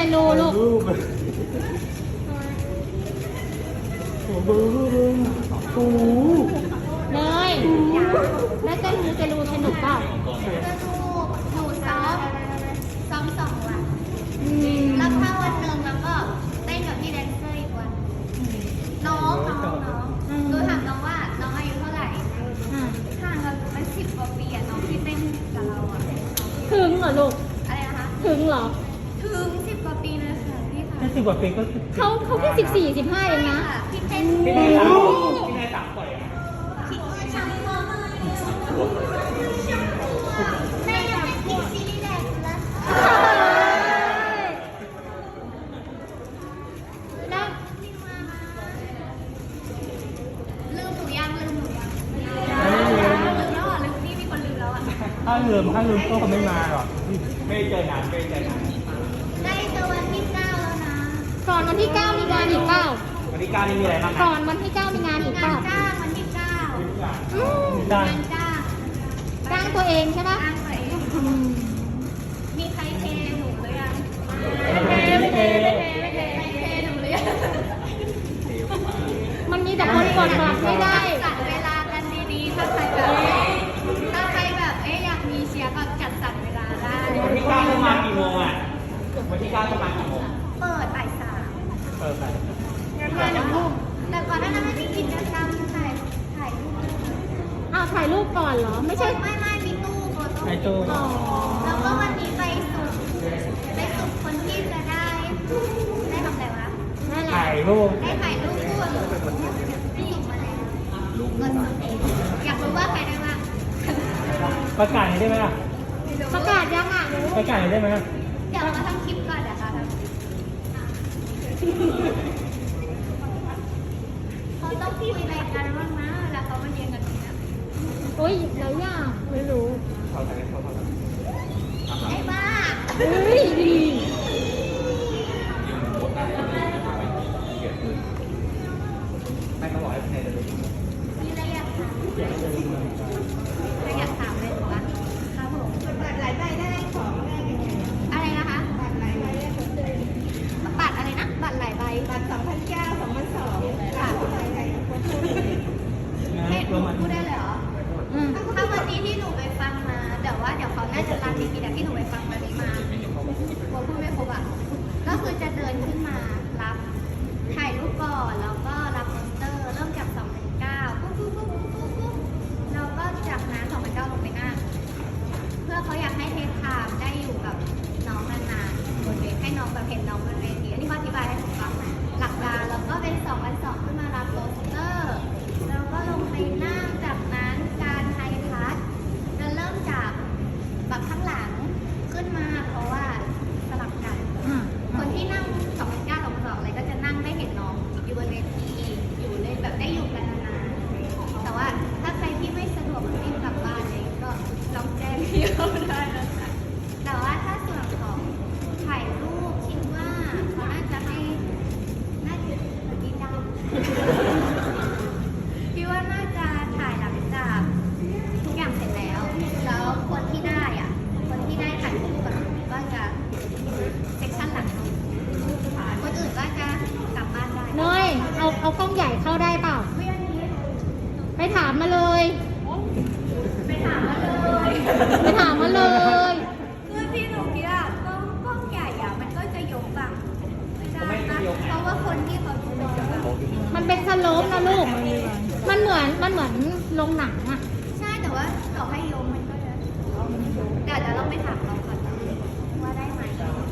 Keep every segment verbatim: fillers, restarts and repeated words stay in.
นูลูกโอ้โหโอ้โหเนยแล้วเต้นมูเตลูสนุกเปล่าหนูซ้อมซ้อมสองวันอืมแล้วถ้าวันหนึ่งแล้วก็เต้นกับพี่แดนเซอร์อีกวัน น้องน้องน้องหนูถามน้องว่าน้องอายุเท่าไหร่อ่ะห่างกันเป็นสิบกว่าปีอะน้องที่เต้นกับเราอะถึงเหรอลูกอะไรนะคะถึงเหรอถึงสิบกว่าปีเลยค่ะพี่ค่ะแค่สิบกว่าปีก็เขาเขาแค่สิบสี่สิบห้าเองนะพี่เต้นพี่นายสามพี่นายสามปล่อยอ่ะคิดว่าช่างมากแม่ยังเป็นพี่ซีรีส์แดงอยู่แล้วแล้วลืมหนูยังลืมหนูยังลืมแล้วอ่ะลืมพี่มีคนลืมแล้วอ่ะถ้าลืมถ้าลืมก็คงไม่มาหรอกไม่เจอนานไม่เจอนานได้เจอวันที่เก้าแล้วนะก่อนวันที่เก้ามีงานอีกเปล่าวันที่เก้านี่มีอะไรบ้างคก่รัอบ นวันที่เก้ามีงานอีกเปงาล่านจ้างวันที่เก้าอืมได้งานจ้างจ้างตัวเองใช่ปะจ้างตัวเองอืมมีใครเทหนูหรือยังไม่เทไม่เทใครเทหนูหรือยังมันมีแต่คนกดบัตรไม่ได้จัดเวลากันดีๆถ้าใครแบบถ้าใครแบบเอ๊ะอยากมีเชียร์ก็จัดสรรเวลาได้วันที่เก้าจะมากี่โมงอ่ะวันที่เก้าจะมากี่โมงเปิดบ่ายสามเปิดไปงานหนูแต่ก่อนหน้านั้นมันมีกิจกรรมถ่ายถ่ายรูปอ้าวถ่ายรูปก่อนเหรอ ไม่ใช่ไม่ไม่มีตู้โฟโต้ไอตู้อ๋อแล้วก็วันนี้ไปสุดไปสุดคนที่จะได้ได้ทำอะไรวะนั่นแหละถ่ายรูปได้ถ่ายรูปคู่กับพี่มาแล้วเงินสดเองอยากรู้ว่าใครได้บ้างประกาศหน่อยได้ไหมล่ะประกาศยังอ่ะประกาศหน่อยได้ไหมล่ะเดี๋ยวเราทำคลิปก่อนเดี๋ยวเราทำเขาต้องคุยอะไรกันบ้างนะแล้วเขามาเรียนกันตรงนี้โอ้ยหลายอย่างไม่รู้เขาถ่ายเขาถ่ายไอ้บ้าเฮ้ยดีไม่เขาบอกให้ภายในเดือนมีอะไรอยากถามใครอยากถามเลยถูกปะครับผมบัตรหลายใบได้ของได้ยังไงอะไรนะคะบัตรหลายใบได้ของเดิมบัตรอะไรนะบัตรหลายใบบัตรสองพันเก้าสองพันสองค่ะให้หนูพูดได้เลยเหรออืมถ้าวันนี้ที่หนูไปฟังมาแต่ว่าเดี๋ยวเขาน่าจะรันอีกทีแต่ที่หนูไปฟังวันนี้มาโบพูดไม่ครบอ่ะก็คือจะเดินขึ้นมารับถ่ายรูปก่อนแล้วก็รับมอนเตอร์เริ่มจากสองพันเก้าปุ๊บปุ๊บปุ๊บปุ๊บปุ๊บแล้วก็จากนั้นสองพันเก้าลงไปหน้าเพื่อเขาอยากให้เทคไทม์ได้อยู่กับน้องนานๆบนเวทีให้น้องแบบเห็นน้องบนเวทีอันนี้ก็อธิบายให้ผมฟังหลักการแล้วก็เป็นสองพันสองขึ้นมารับโรสเตอร์แล้วก็ลงไปนั่งจากนั้นการไฮทัชจะเริ่มจากแบบข้างหลังขึ้นมาเพราะว่าสลับกันอ่ะคนที่นั่งสองพันเก้าสองพันสองอะไรก็จะนั่งได้เห็นน้องอยู่บนเวทีอยู่ในแบบได้อยู่กันนานๆแต่ว่าถ้าใครที่ไม่สะดวกรีบกลับบ้านเลยก็ลองแจ้งพี่เขาได้นะคะแต่ว่าถ้าส่วนของถ่ายรูปคิดว่าเขาน่าจะให้น่าจะดีจังพี่ว่าน่าจะถ่ายหลังจากทุกอย่างเสร็จแล้ว แล้วคนที่ได้อ่ะคนที่ได้ถ่ายรูปกับหนูก็จะเซกชันหลังคนอื่นก็จะกลับบ้านได้เนยเอาเอากล้องใหญ่เข้าได้เปล่าเพื่อนนี้ไปถามมาเลยไปถามมาเลยไปถามมาเลยคือที่หนูคิดอะกล้องกล้องใหญ่อะมันก็จะยกบังไม่ได้นะเพราะว่าคนที่เขาดูจะแบบมันเป็นสโลปนะลูก มันเหมือนมันเหมือนลงหนังอ่ะใช่แต่ว่าต่อให้ยกมันก็จะเดี๋ยวเดี๋ยวเราไปถามเราก่อนว่าได้ไหม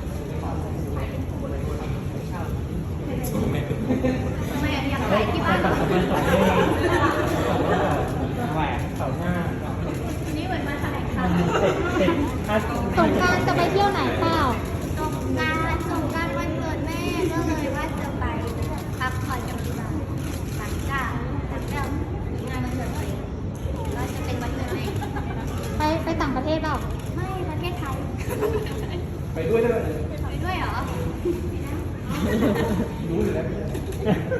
ทำไมอยากถ่ายที่บ้านสองพันสองได้แหวนเสาหน้าวันนี้เหมือนมาแถลงข่าวเสร็จเสร็จถ้าสงกรารจะไปเที่ยวไหนเปล่าสงกรานต์สงกรานต์วันเกิดแม่ก็เลยว่าจะไปพักผ่อนกับที่บ้านหลังจากหลังจากงานวันเกิดตัวเองก็จะเป็นวันเกิดแม่ไปไปต่างประเทศเปล่าไม่ประเทศไทยไปด้วยได้ไหมไปด้วยเหรอรู้อยู่แล้ว